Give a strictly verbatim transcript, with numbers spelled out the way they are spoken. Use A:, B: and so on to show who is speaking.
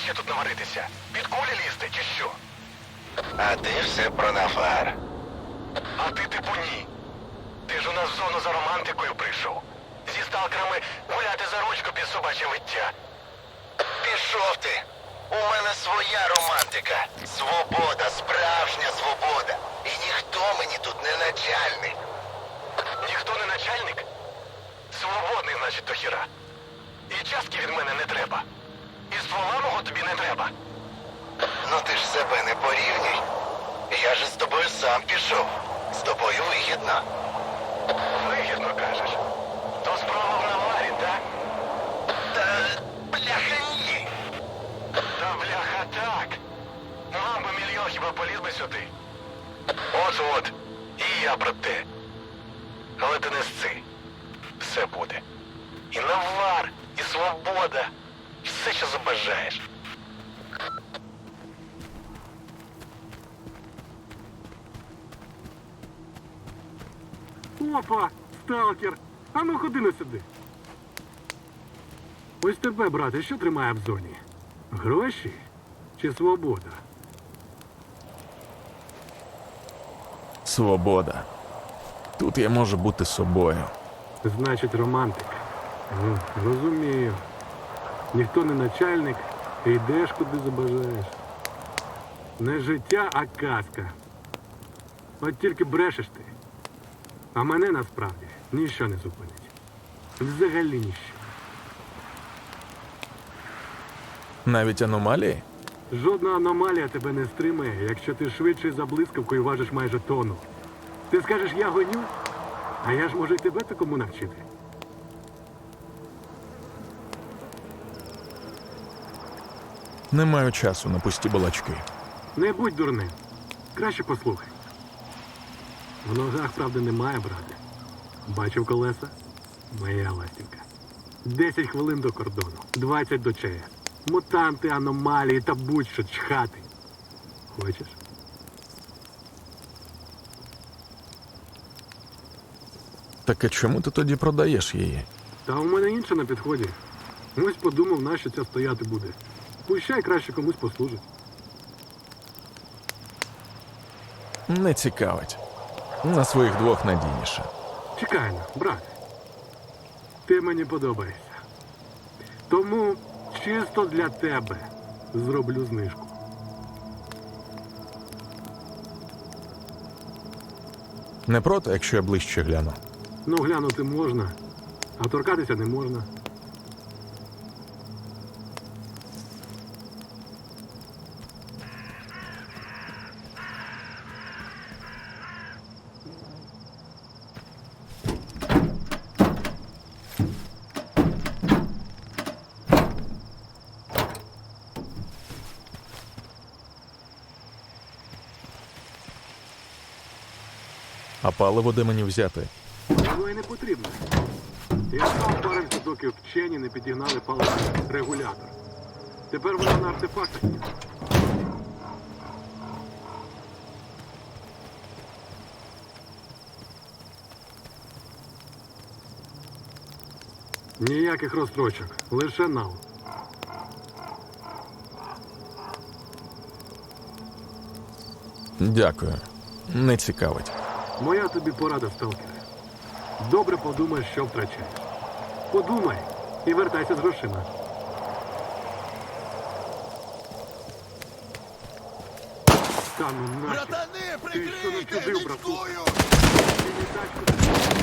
A: ще тут наваритися? Під кулі лізти чи що?
B: А ти все про Нафар.
A: А ти типу ні. Ти ж у нас в зону за романтикою прийшов. Зі сталкерами гуляти за ручку під собаче виття.
B: Пішов ти. У мене своя романтика. Свобода, справжня свобода. І ніхто мені тут не начальник.
A: Ніхто не начальник? Свободний, значить, до хіра. І частки від мене не треба. І ствола мого тобі не треба.
B: Ну ти ж себе не порівнюй. Я же з тобою сам пішов. З тобою вигідно.
A: Вигідно кажеш. То справа в наварі, так?
B: Та бляха ні.
A: Та бляха так. Мав би мільйон, хіба поліз би сюди. От-от. І я про те. Але ти не сци. Все буде. І навар, і свобода. Все, що забажаєш.
C: Опа, сталкер. А ну ходи на сюди. Ось тебе, брате, що тримає в зоні? Гроші чи свобода?
D: Свобода. Тут я можу бути собою.
C: Значить, романтик. Ну, розумію. Ніхто не начальник, і йдеш куди забажаєш. Не життя, а казка. От тільки брешеш ти. А мене насправді ніщо не зупинить. Взагалі ніщо.
D: Навіть аномалії?
C: Жодна аномалія тебе не стримає, якщо ти швидший за блискавкою важиш майже тонну. Ти скажеш, я гоню, а я ж можу й тебе такому навчити.
D: Не маю часу на пусті балачки.
C: Не будь дурним. Краще послухай. В ногах, правда, немає, брате. Бачив колеса? Моя ластівка. Десять хвилин до кордону, двадцять до ЧАЕС. Мутанти, аномалії та будь-що чхати. Хочеш?
D: Так а чому ти тоді продаєш її?
C: Та у мене інше на підході. Ось подумав, нащо ця стояти буде. Пущай краще комусь послужить.
D: Не цікавить. На своїх двох надійніше.
C: Чекай на, брате. Ти мені подобаєшся. Тому чисто для тебе зроблю знижку.
D: Не проти, якщо я ближче гляну.
C: Ну, глянути можна, а торкатися не можна.
D: А паливо де мені взяти?
C: Воно і не потрібно. Я сам парився, доки вчені не підігнали паливний регулятор. Тепер воно на артефактах є. Ніяких розстрочок, лише нал.
D: Дякую. Не цікавить.
C: Моя тобі порада, сталкере. Добре подумай, що втрачаєш. Подумай і вертайся з грошима. Та ну нафіг.
E: Братани,
C: Ти що не
E: прикрийте,
C: чудив, брату?
E: річкую!
C: Ти не тачку